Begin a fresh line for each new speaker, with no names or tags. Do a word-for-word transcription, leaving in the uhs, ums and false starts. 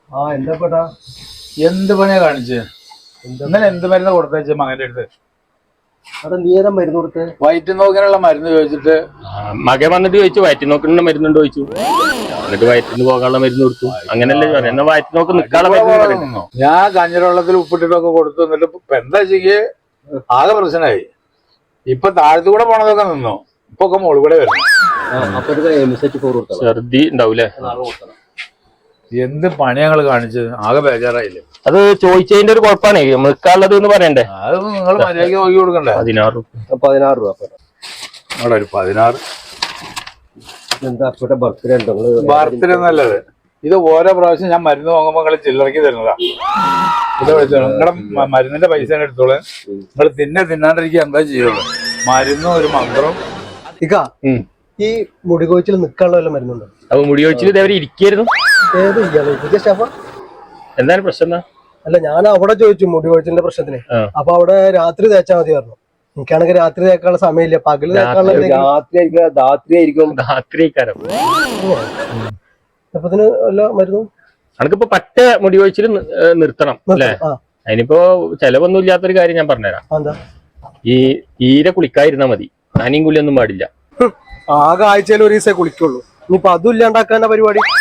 ആ എന്താ പേട്ടാ
എന്ത് പണിയാ കാണിച്ച് ഇന്നലെ എന്ത് മരുന്ന് കൊടുത്തയച്ച മകന്റെ അടുത്ത്?
അവിടെ നീ ഏതാ മരുന്ന് കൊടുത്ത്?
വയറ്റ് നോക്കാനുള്ള മരുന്ന് ചോദിച്ചിട്ട്
മകൻ വന്നിട്ട് ചോദിച്ചു വയറ്റി നോക്കുന്ന മരുന്നുണ്ടോ ചോദിച്ചു. എന്നിട്ട് വയറ്റിന് പോകാനുള്ള മരുന്ന് കൊടുത്തു. അങ്ങനല്ലേ പറയാം. എന്നാ വയറ്റി നോക്ക് നിൽക്കാനുള്ള മരുന്ന്.
ഞാൻ കഞ്ഞിരവെള്ളത്തിൽ ഉപ്പിട്ടിട്ടൊക്കെ കൊടുത്തു. എന്നിട്ട് ഇപ്പൊ എന്താ ചെയ്യേ ആകെ പ്രശ്നമായി. ഇപ്പൊ താഴത്തു കൂടെ പോണതൊക്കെ നിന്നോ, ഇപ്പൊ ഒക്കെ മുകളിൽ കൂടെ വരുന്നു.
ഛർദി ഉണ്ടാവൂലേ?
എന്ത് പണി ഞങ്ങൾ കാണിച്ചത്? ആകെ ബേജാറായില്ലേ?
അത് ചോദിച്ചതിന്റെ ഒരു കുഴപ്പമാണ് നിൽക്കാനുള്ളത് എന്ന് പറയണ്ടേ.
അത് നിങ്ങൾ മര്യാദയ്ക്ക് നോക്കി കൊടുക്കണ്ടേ?
പതിനാറ്
പതിനാറ് രൂപ
അവിടെ ഒരു പതിനാറ്.
എന്താ ബർത്ത്ഡേ ഉണ്ടോ?
ബർത്ത്ഡേ നല്ലത്. ഇത് ഓരോ പ്രാവശ്യം ഞാൻ മരുന്ന് വാങ്ങുമ്പോ നിങ്ങൾ ചില്ലറക്കി തരുന്നതാ. ഇത് നിങ്ങളുടെ മരുന്നിന്റെ പൈസ എടുത്തോളൂ. നിങ്ങൾ തിന്നെ തിന്നാണ്ടിരിക്കുക എന്താ ചെയ്യുള്ളൂ. മരുന്നും ഒരു മന്ത്രം.
ഈ മുടി കൊഴിച്ചിൽ നിൽക്കാനുള്ള വല്ല മരുന്നുണ്ടോ?
അപ്പൊ മുടി കൊഴിച്ചിൽ ഇതേവരെ ഇരിക്കായിരുന്നു.
ഏത് സ്റ്റാഫാ?
എന്താണ് പ്രശ്നം?
അല്ല, ഞാൻ അവിടെ ചോദിച്ചു മുടി കൊഴിച്ചിലിന്റെ പ്രശ്നത്തിന്. അപ്പൊ അവിടെ രാത്രി തേച്ചാൽ മതി പറഞ്ഞു. എനിക്കാണെങ്കിൽ രാത്രി തേക്കാനുള്ള സമയമില്ല. പകല് തേക്കാനുള്ള അപ്പത്തിന് വല്ല മരുന്നും
അനക്കിപ്പോ പറ്റ മുടി കൊഴിച്ചിൽ നിർത്തണം അല്ലേ? അതിനിപ്പോ ചെലവൊന്നും ഇല്ലാത്തൊരു കാര്യം ഞാൻ പറഞ്ഞുതരാം. ഈ തീരെ കുളിക്കാതിരുന്നാ മതി. നനയും കുളിയൊന്നും പാടില്ല.
ആകെ ആഴ്ചയിൽ ഒരു ദിവസമേ കുളിക്കുള്ളൂ. ഇനിയിപ്പൊ അതും ഇല്ലാണ്ടാക്കാനുള്ള പരിപാടി.